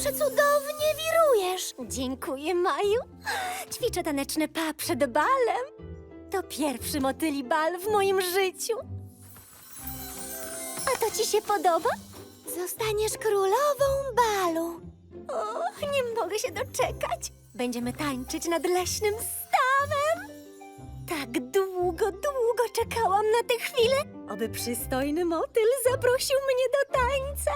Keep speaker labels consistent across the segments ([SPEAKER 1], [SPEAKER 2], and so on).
[SPEAKER 1] Przecudownie wirujesz. Dziękuję, Maju. Ćwiczę taneczne pa przed balem. To pierwszy motyli bal w moim życiu. A to ci się podoba? Zostaniesz królową balu. O, nie mogę się doczekać. Będziemy tańczyć nad leśnym stawem. Tak długo czekałam na tę chwilę, aby przystojny motyl zaprosił mnie do tańca.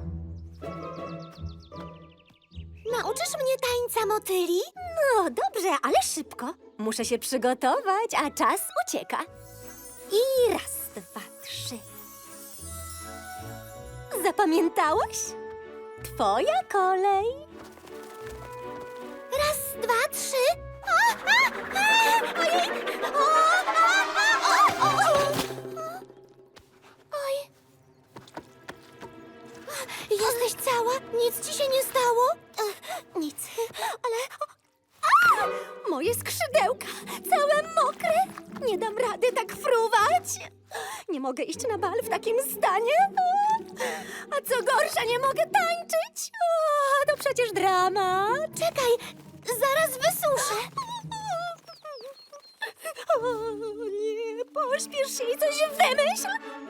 [SPEAKER 1] Nauczysz mnie tańca motyli? No dobrze, ale szybko. Muszę się przygotować, a czas ucieka. I raz, dwa, trzy. Zapamiętałaś? Twoja kolej. Raz, dwa, trzy. Ojej! Oj. Jesteś cała? Nic ci się nie stało? Nic, ale... Moje skrzydełka, całe mokre. Nie dam rady tak fruwać. Nie mogę iść na bal w takim stanie. A co gorsza, nie mogę tańczyć. To przecież drama. Czekaj, zaraz wysuszę. O nie, pośpiesz się i coś wymyśl.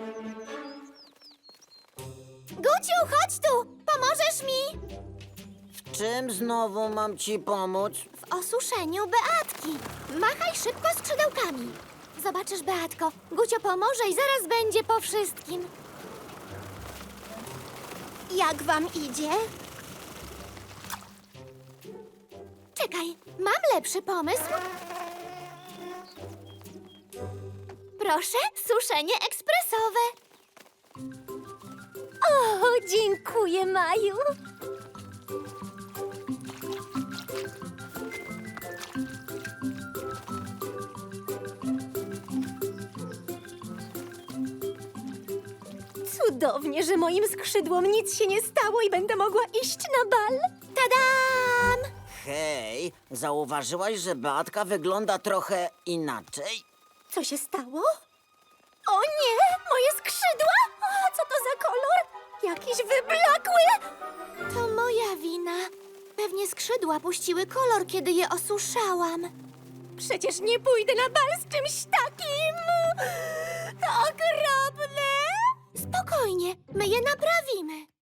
[SPEAKER 1] Guciu, chodź tu, pomożesz mi.
[SPEAKER 2] W czym znowu mam ci pomóc?
[SPEAKER 1] W osuszeniu Beatki. Machaj szybko skrzydełkami. Zobaczysz, Beatko, Gucio pomoże i zaraz będzie po wszystkim. Jak wam idzie? Czekaj, mam lepszy pomysł. Proszę, suszenie ekspresowe. O, dziękuję, Maju. Cudownie, że moim skrzydłom nic się nie stało i będę mogła iść na bal. Tadam!
[SPEAKER 2] Hej, zauważyłaś, że Beatka wygląda trochę inaczej?
[SPEAKER 1] Co się stało? O nie! Moje skrzydła! O, co to za kolor? Jakiś wyblakły! To moja wina. Pewnie skrzydła puściły kolor, kiedy je osuszałam. Przecież nie pójdę na bal z czymś takim! To okropne! Spokojnie, my je naprawimy.